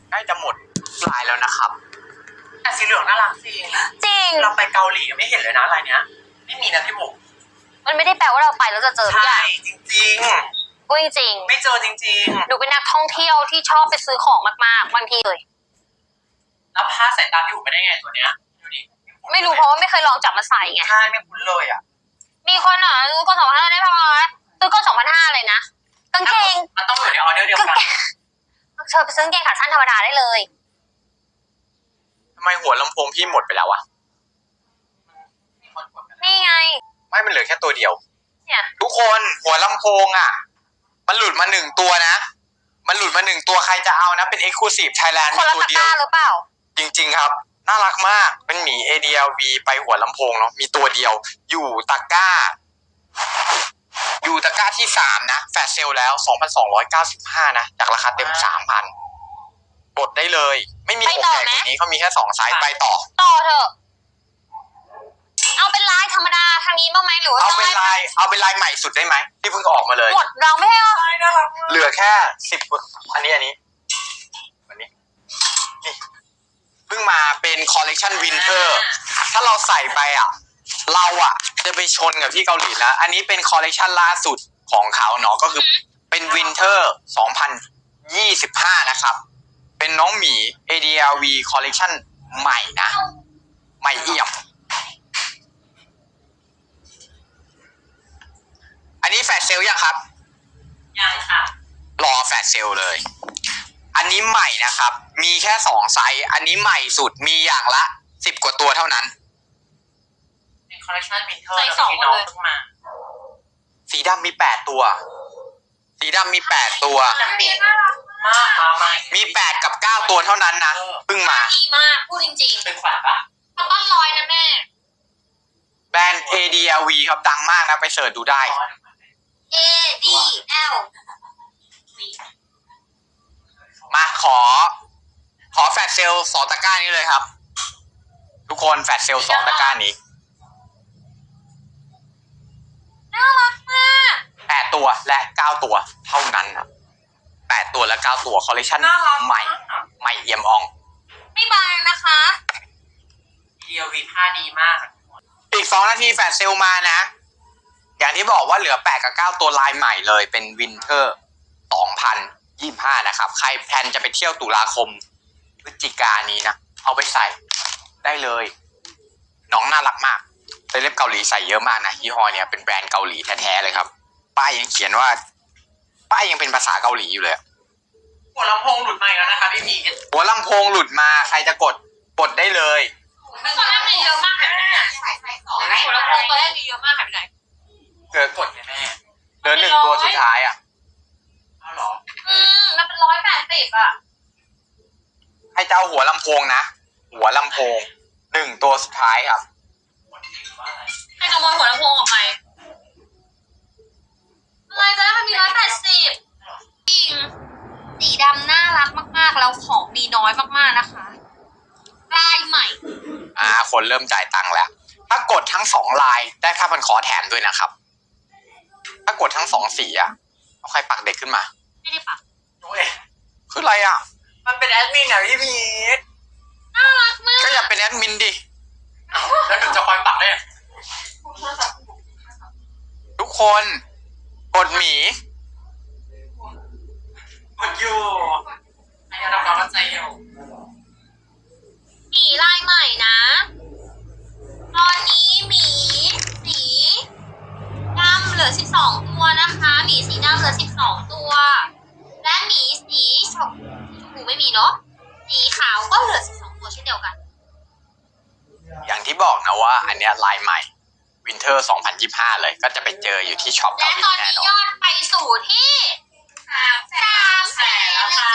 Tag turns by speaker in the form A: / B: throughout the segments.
A: ใกล้จะหมดลายแล้วนะครับ
B: แต่สีเหลืองน่ารักสิ
C: จริง
B: เราไปเกาหลีไม่เห็นเลยนะลายเนี้ยไม่มีนะพี่บุ๋ม
C: มันไม่ได้แปลว่าเราไปแล้วจะเจอทุกอย่าง
B: จริง
C: พูดจริง
B: ไม่เจอจริง
C: ๆหนูเป็นนักท่องเที่ยวที่ชอบไปซื้อของมากๆบางทีเลย
B: แล้วผ้าสายตาพี่บุ๋มไปได้ไงตัวเนี้ยดูดิ
C: ไม่รู้เพราะว่าไม่เคยลองจับมาใส่ไง
B: ใช่ไม่คุ้นเลยอ่ะ
C: มีคนซื้อก้อน2,500ได้ประมาณซื้อก้อน2,500เลยนะกางเกง
B: มันต้องอยู่ในออเดอร์เดียวกัน
C: เชิญไปซื้อกางเกงขาสั้นธรรมดาได้เลย
A: ทำไมหัวลำโพงพี่หมดไปแล้วอะ
C: นี่ไง
A: ไม่มันเหลือแค่ตัวเดียว
C: เนี่ย
A: ทุกคนหัวลำโพงอะมันหลุดมา1ตัวนะมันหลุดมา1ตัวใครจะเอานะเป็น Exclusive Thailand
C: คนละตะกร้าหรือเปล่า
A: จริงๆครับน่ารักมากเป็นหมี ADLV ไปหัวลำโพงเนาะมีตัวเดียวอยู่ตะกร้าที่3นะแฟลชเซลแล้ว 2,295 นะจากราคาเต็ม 3,000 กดได้เลยไม่มีอกใหญ่กว่านี้เขามีแค่2ไซส์ไปต่อ
C: เถอะเอาเป็นลายธรรมดาทางนี้บ้างไหมหรือว่า
A: เอาเป็นลายใหม่สุดได้ไหมที่เพิ่งออกมาเลย
C: หมดเราไม่ให้
A: เหลือแค่10อันนี้วันนี้นี่เพิ่งมาเป็นคอลเลกชันวินเทอร์ถ้าเราใส่ไปเราจะไปชนกับที่เกาหลีนะอันนี้เป็นคอลเลกชันล่าสุดของเขาเนาะก็คือเป็นวินเทอร์2025นะครับเป็นน้องหมี ADLV คอลเลกชันใหม่นะใหม่เอี่ยมอันนี้แฟลชเซลยังครับ
B: ยังค่ะ
A: รอแฟลชเซลเลยอันนี้ใหม่นะครับมีแค่2ไซส์อันนี้ใหม่สุดมีอย่างละ10กว่าตัวเท่านั้น
B: เป็นคอลเลคชันวินเทอร์ที่น้องเพิ่งมา
A: สีดำมี8ตัวสีดำมี8ตัวมี8กับ9ตัวเท่านั้นนะเพิ่งมา
C: ดีมากพูดจริงๆ
B: เป็นขวัญปะ
C: มันต้นร้อยนะแม่
A: แบรนด์ ADLV ครับดังมากนะไปเสิร์ชดูได้
C: ADL
A: มาขอแฟลชเซล2ตะกร้านี้เลยครับทุกคนแฟลชเซล2ตะกร้านี้
C: น่ารักมาก
A: 8ตัวและ9ตัวเท่านั้นครับ8ตัวและ9ตัวคอลเลคชันใหม่เอี่ยมอ่อง
C: ไม่บางนะคะ
B: DLV ผ้าดีมาก
A: อีก2นาทีแฟลชเซลมานะอย่างที่บอกว่าเหลือ8กับ9ตัวลายใหม่เลยเป็นวินเทอร์2025นะครับใครแพลนจะไปเที่ยวตุลาคมพฤศจิกายนนี้นะเอาไปใส่ได้เลยน้องน่ารักมากเซเลบเกาหลีใส่เยอะมากนะยี่ห้อเนี่ยเป็นแบรนด์เกาหลีแท้ๆเลยครับป้ายยังเขียนว่าป้ายยังเป็นภาษาเกาหลีอยู่เลย
B: หัวลำโพงหลุดมาแล้วนะคะพี่พี
A: หัวลำโพงหลุดมาใครจะกดได้เลย
C: ตอนแรกมีเยอะมากหายไปไหนหัวลำโพงตอนแรกมีเยอะมากหายไปไหน
A: เกิดกดแม่เหลือ1ตัวสุดท้าย
B: เอาหรอ
C: มันเป็น180
A: ให้เจ้าหัวลำโพงนะหัวลำโพง1ตัวสุดท้ายครับ
C: ให้ขโมยหัวลำโพงออกไปอะไรจะได้มันมี180จริงสีดำน่ารักมากๆแล้วของมีน้อยมากๆนะคะลายใหม่
A: คนเริ่มจ่ายตังค์แล้วถ้ากดทั้ง2ลายได้ผ้าพันคอแถมด้วยนะครับถ้ากดทั้ง2สีเอาใครปักเด็กขึ้นมา
C: ไม่ได้ปัก
A: คืออะไร
B: มันเป็นแอดมินพี่พีท
C: น่ารักมาก
A: ก็อย่าเป็นแอดมินดิ
B: แล้วถึงจะคอยปักได้
A: ทุกคนกดหมี
B: กดอยู่ไอ้เราเข้าใจอยู่
C: หมีลายใหม่นะตอนนี้หมีสีดำเหลือ12ตัวนะคะหมีสีดำเหลือ12ตัวและหมีสีชมพูไม่มีเนาะสีขาวก็เหลือ12ตัวเช่นเดียวกัน
A: อย่างที่บอกนะว่าอันเนี้ยลายใหม่วินเทอร์2025เลยก็จะไปเจออยู่ที่ช็อป
C: และตอนนี้ยอดไปสู่ที่300,000แล้วค่ะ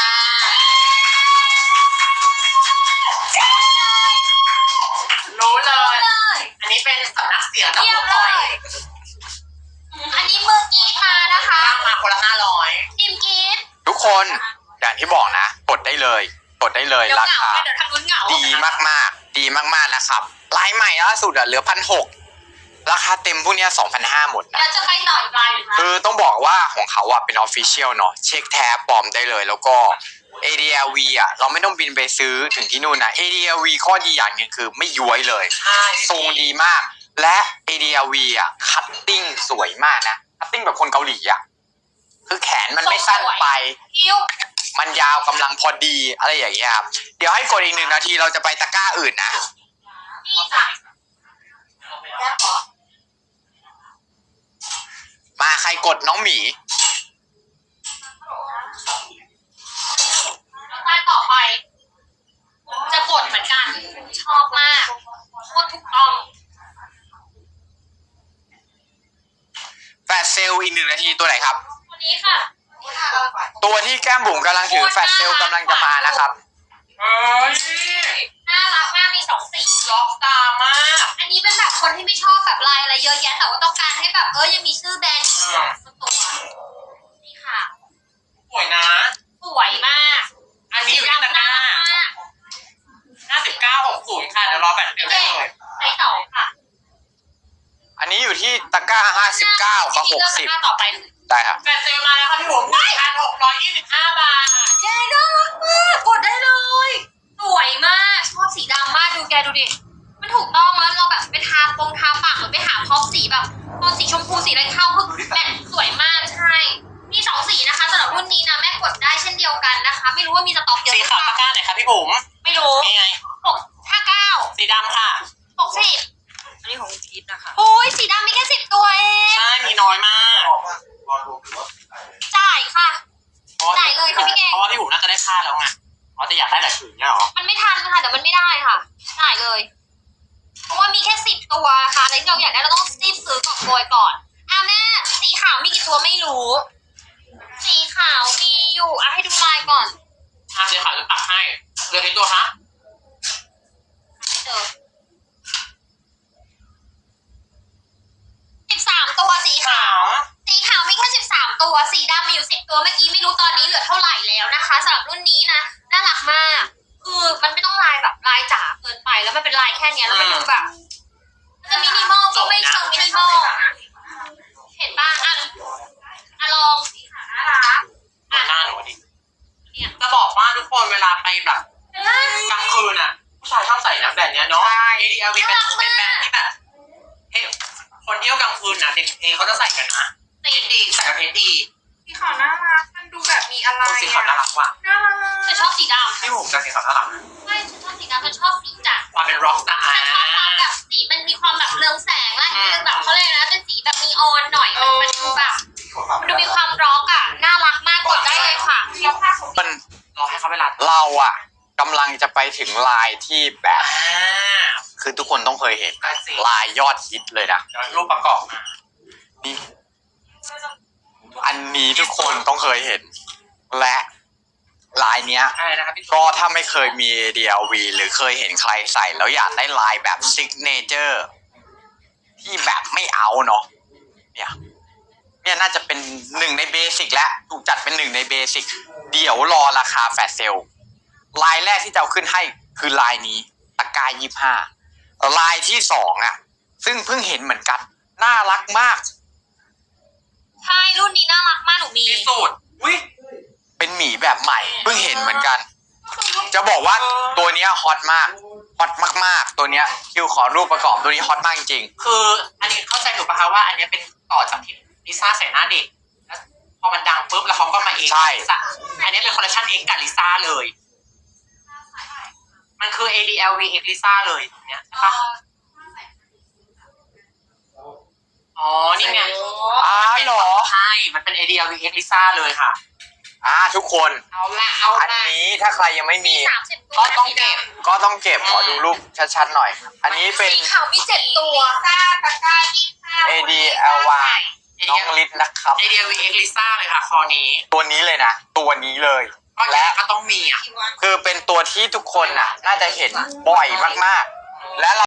B: รู้เลยอันนี้เป็นสำนักเสียงจากลูกคอย
C: อันนี้มือกีตาร์นะคะ
B: มาคนละ500
C: ทีมกีต
A: ทุกคนอย่างที่บอกนะกดได้เลยราคาดีมากนะครับลายใหม่ล่าสุดเหลือ 1,600 ราคาเต็มพวกนี้ 2,500 หมดนะ
C: แล้วจะไปต่ออีกลาย
A: คือต้องบอกว่าของเขาเป็น official เนาะเช็คแท้ปลอมได้เลยแล้วก็ ADL ADLV อ่ะเราไม่ต้องบินไปซื้อถึงที่นู่นนะ ADLV ข้อดีอย่างหนึงคือไม่ย้วยเลย
B: ใช่
A: ทรงดีมาก และ ADLV อ่ะคัตติ้งสวยมากนะคัตติ้งแบบคนเกาหลีอ่ะคือแขนมันไม่สั้นไป
C: คิ้ว
A: มันยาวกำลังพอดีอะไรอย่างเงี้ยครับเดี๋ยวให้กดอีก1 นาทีเราจะไปตะกร้าอื่นนะ
C: นี่จ้ะ
A: มาใครกดน้องหมี
C: แล้วได้ต่อไปจะกดเหมือนกันชอบมากโคตรถูกต้อง
A: แฟลชเซลล์อีก1 นาทีตัวไหนครับ
C: ตัวนี้ค่ะ
A: ตัวที่แก้มบุ๋มกำลังถือแฟลชเซลล์กำลังจะมานะครับ
B: เฮ้ย
C: น่ารักมากมี2 สี
B: ล็อกตามาก
C: อันนี้เป็นแบบคนที่ไม่ชอบแบบลายอะไรเยอะแยะแต่ว่าต้องการให้แบบยังมีชื่อแบรนด์อยู่สักตัวนี่ค่ะ
B: สวยนะ
C: สวยมาก
B: อันนี้อยู่ที่ตะกร้า
C: มาก
B: 5960ค่ะเดี๋ยวรอแบตเดียวได้
C: เด็ก
B: เลย
C: ใส่ต่อค่ะ
A: อันนี้อยู่ที่ตะกร้า59กับ
C: ที่เลือกตะกร้าต่อไป
A: 60ได้ครับ
B: แบตเซลมาแล้วค่ะพี่ผม1,625 บาท
C: แกน่ารักมากกดได้เลยสวยมากชอบสีดำมากดูแกดูดิมันถูกต้องแล้วเราแบบไปทาปากหรือไปหาพร็อพสีแบบโทนสีชมพูสีอะไรเข้าคือแมทสวยมากใช่มี2 สีนะคะสำหรับรุ่นนี้นะแม่กดได้เช่นเดียวกันนะคะ ไม่รู้ว่ามีสต็อกเยอะ
B: สี
C: หรือ
B: ขาว
C: เป
B: ตะ
C: ล่า
B: กร้าไหนคะพี่ผม
C: ไม่รู้
B: นี่ไง
C: 659
B: สีดำค่ะ
C: 60
D: อันนี้ของพีทนะคะ
C: โอ้ยสีดำมีแค่10 ตัวเอง
B: ใช่มีน้อยมาก
C: จ่ายค่ะ
B: เพราะว่า
C: จ่ายเลยค่ะพี่เก่ง
B: เพราะว่าพี่ผมน่าจะได้ผ้าแล้วไงอ๋อแต่อยากได้หลายผืนเนี่ยเหรอ
C: มันไม่ทันค่ะเดี๋ยวมันไม่ได้ค่ะจ่ายเลย เพราะว่ามีแค่10 ตัวค่ะอะไรที่เราอยากได้เราต้องรีบซื้อกอบโกยก่อนแม่สีขาวมีกี่ตัวไม่รู้ สีขาวมีอยู่ให้ดูลายก่อน
B: สีขาวจะตัดให้เหลือกี่ตัวคะ
C: ไม่เจอ13 ตัวสีขาว สีขาวมีแค่13 ตัวสีดำมีอยู่10 ตัวเมื่อกี้ไม่รู้ตอนนี้เหลือเท่าไหร่แล้วนะคะสำหรับรุ่นนี้นะน่ารักมากคือมันไม่ต้องลายแบบลายจ๋าเกินไปแล้วมันเป็นลายแค่เนี้ยแล้วมันดูแบบมันจะมินิมอลก็ไม่เชิงมินิมอลเห็นป่ะลองสีขาวน่ารัก
B: ดูหน้าหนูดิ
C: เนี่ย
B: จะบอกว่าทุกคนเวลาไปแบบกลางคืนอ่ะผู้ชายชอบใส่นะแบบเนี้ยเนาะ ADLV เป็นแบรนด์ที่แบบเฮ้ยคนเที่ยวกลางคืนนะเด็กเองเขาจะใส่กันนะเพชรดีใส่กับเพชรดี
D: สีขาวน่ารัก มันดูแบบมีอะไร
B: สีขาวน่ารักว่ะ
D: น่ารัก
C: ฉันชอบสีดำ
B: พี่ผมจะสีขาวน่ารัก
C: ใช่ฉันชอบสีดำฉันชอบสีจัด
B: ความเป็นร็อกสตาร์
C: ฉันชอบความแบบสีมันมีความแบบเรืองแสงและคือแบบเขาเรียกนะเป็นสีแบบนีออนหน่อยมันดูแบบมันดูมีความร็อกอ่ะน่ารักมากกดได้เลยค่ะ
A: มัน
B: รอให้เขาเวลา
A: เราอ่ะกำลังจะไปถึงลายที่แบบ
B: อ่า
A: คือทุกคนต้องเคยเห็น
B: ได้สิ
A: ลายยอดฮิตเลยนะ
B: เดี๋ยวรูปประกอบมา
A: นี่อันนี้ทุกคนต้องเคยเห็น และลายเนี้ย
B: อะไรนะครับพี่
A: ก็ถ้าไม่เคยมี ADLV หรือเคยเห็นใครใส่แล้วอยากได้ลายแบบซิกเนเจอร์ที่แบบไม่เอาเนาะเนี่ยน่าจะเป็น1 ในเบสิกและถูกจัดเป็น1 ในเบสิกเดี๋ยวรอราคาแฟลชเซลล์ลายแรกที่จะเอาขึ้นให้คือลายนี้ตะกร้า25ลายที่2อ่ะซึ่งเพิ่งเห็นเหมือนกันน่ารักมาก
C: ใช่รุ่นนี้น่ารักมากหนูมี
B: ที่สุดอุ้ย
A: เป็นหมีแบบใหม่เพิ่งเห็นเหมือนกัน จะบอกว่าตัวเนี้ยฮอตมากฮอตมากๆตัวเนี้ยคิวขอรูปประกอบตัวนี้ฮอตมากจริง
B: คืออันนี้เข้าใจถูกปะคะว่าอันนี้เป็นต่อจากที่ลิซ่าใส่หน้าเด็กแล้วพอมันดังปุ๊บแล้วเขาก็มาเอง
A: ใช่
B: อันนี้เป็นคอลเลคชันเองกับลิซ่าเลย มันคือ ADLV X ลิซ่าเลยเนี่ยใช่ปะอ๋อนี่ไง
A: เหรอ
B: ใช่ มันเป็น ADLV X ลิซ่าเลยค่ะ
A: ทุกคน
B: เอาละเอา
A: อัน
B: ละ
A: นี้ถ้าใครยังไม่มี
C: 30 ตัว
B: ก็ต้องเก็บ
A: ก็ต้องเก็บขอดูรูปชัดๆหน่อย อันนี้เป็น
C: สีขาวมี7 ตัวซ่าตะกร้า25
A: ADLY น้องลิศนะครับ
B: ADLV X ลิซ่าเลยค่ะคอนี้
A: ตัวนี้เลยนะตัวนี้เลย
B: ก็และก็ต้องมีอ่ะ
A: คือเป็นตัวที่ทุกคนน่ะ น่าจะเห็นบ่อยมากๆ และ